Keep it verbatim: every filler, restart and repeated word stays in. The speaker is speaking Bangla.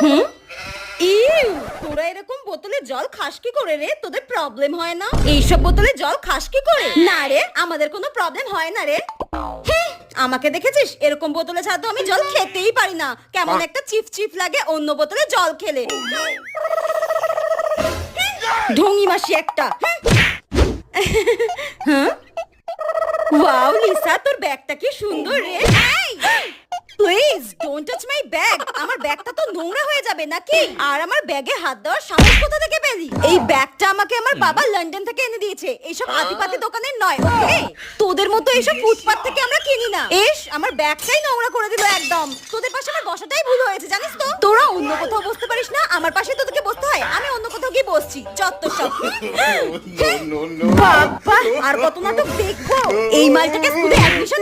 হুম? ইউ, তোরা এরকম বোতলে জল খাস কি করে রে? তোদের প্রবলেম হয় না? এইসব বোতলে জল খাস কি করে? না রে, আমাদের কোনো প্রবলেম হয় না রে। হ্যাঁ, আমাকে দেখেছিস? এরকম বোতলে ছাড়া তো আমি জল খেতেই পারি না। কেমন একটা চিফ চিফ লাগে অন্য বোতলে জল খেলে। ঢঙি মাসি একটা। হ্যাঁ? ওয়াও লিসা, তোর ব্যাগটা কি সুন্দর রে। Please don't touch my bag. আমার ব্যাগটা তো নোংরা হয়ে যাবে নাকি? আর আমার ব্যাগে হাত দেওয়ার সাহস কোথা থেকে পেলি? এই ব্যাগটা আমাকে আমার বাবা লন্ডন থেকে এনে দিয়েছে। এইসব আতিপাতি দোকানের নয়, ওকে? তোদের মতো এইসব ফুটপাত থেকে আমরা কিনি না। এস, আমার ব্যাগটাই নোংরা করে দিল একদম। তোদের পাশে আমার বসাটাই ভুল হয়েছে, জানিস তো? তোরা অন্য কোথাও বসতে পারিস না, আমার পাশে তোদেরকে বসতে হয়। আমি অন্য কোথাও গিয়ে বসছি। চত্বর সব। বাবা, আর কত নাটক দেখবো? এই মালটাকে স্কুলে অ্যাডমিশন